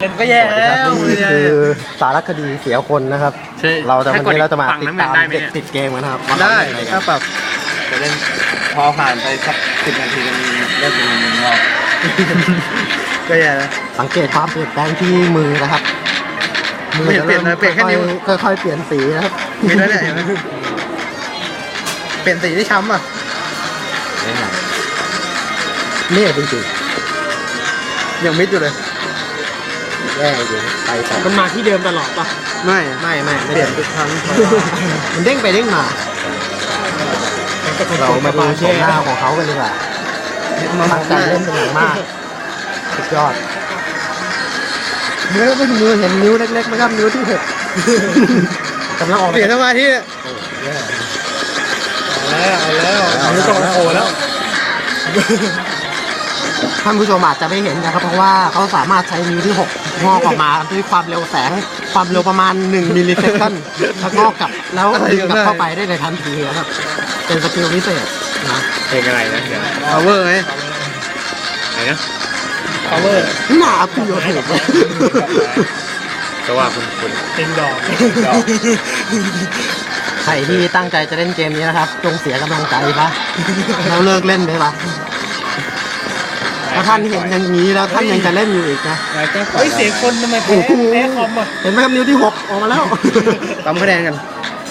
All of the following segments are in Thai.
ก็แย่แล้วนี่คือสารคดีเสียคนนะครับ เราจะวันนี้เราจะมาติดตามเด็กติดเกมกันครับได้ถ้าปรับจะเล่นพอผ่านไปสัก10 นาทีมันเริ่มเป็นมืองอกก็แย่แล้วสังเกตความเปลี่ยนแปลงที่มือนะครับมือจะเริ่มค่อยๆเปลี่ยนสีนะครับมีด้วยเนี่ยเปลี่ยนสีที่ช้ำอ่ะเนี่ยจริงๆยังมิดอยู่เลยแย่จริงไปต่อมันมาที่เดิมตลอดป่ะไม่เปลี่ยนทุกครั้งมันเด้งไปเด้งมาเรามาดูโฉมหน้าของเขากันดีกว่าตั้งใจเล่นเป็นอย่างมากสุดยอดเมื่อเป็นมือเห็นนิ้วเล็กๆไหมครับนิ้วที่6กำลังออกเปลี่ยนสมาธิเอาแล้วนิ้วโตแล้วท่านผู้ชมอาจจะไม่เห็นนะครับเพราะว่าเขาสามารถใช้นิ้วที่6งอกออกมาด้วยความเร็วแสงความเร็วประมาณ1 มิลลิเซคันแล้วงอกกลับแล้วดึงกลับเข้าไปได้ในทันทีนะครับเป็นสกิลพิเศษนะเพลงอะไรนะเดี๋ยว power ไงไหนนะ power หน้าพี่โยเทปก็ว่าคุณติงดอกใครที่ตั้งใจจะเล่นเกมนี้นะครับจงเสียกำลังใจปะแล้วเลิกเล่นไปปะถ้าท่านเห็นอย่างนี้แล้วท่านยังจะเล่นอยู่อีกนะเฮ้ยเสียคนทำไมแพ้คอมอ่ะเห็นไหมครับนิ้วที่6ออกมาแล้วตามคะแนนกัน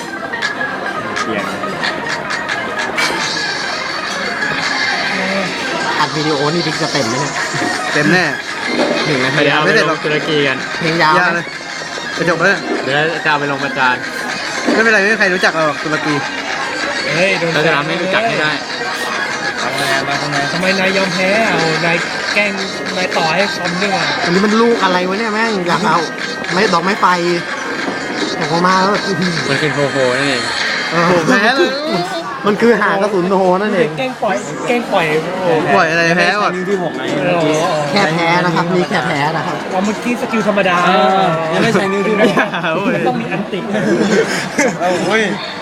อัดวิดีโอนี่บิ๊กจะเต็มไหมเนี่ยเต็มแน่1 นาทีไม่ได้ลงตุรกีกันเพลงยาวเลยจะจบแล้วเดี๋ยวจะเอาไปลงประจานไม่เป็นไรไม่มีใครรู้จักเราตุรกีเฮ้ยเราจะทำให้รู้จักให้ได้ทำไมนายยอมแพ้นายแกล้งนายต่อให้คอมด้วยอันนี้มันลูกอะไรวะเนี่ยแม่งอยากเอาไม่ดอกไม้ไฟออกมาแล้วมันเป็นโฟนั่นเองแพ้เลยมันคือหางกระสุนโฮนั่นเองแกล้งปล่อยอะไรแพ้ก่อนที่6 แค่แพ้นะครับนี่แค่แพ้นะครับเมื่อกี้สกิลธรรมดายังไม่ใช่นิ้วที่ต้องมีอันติ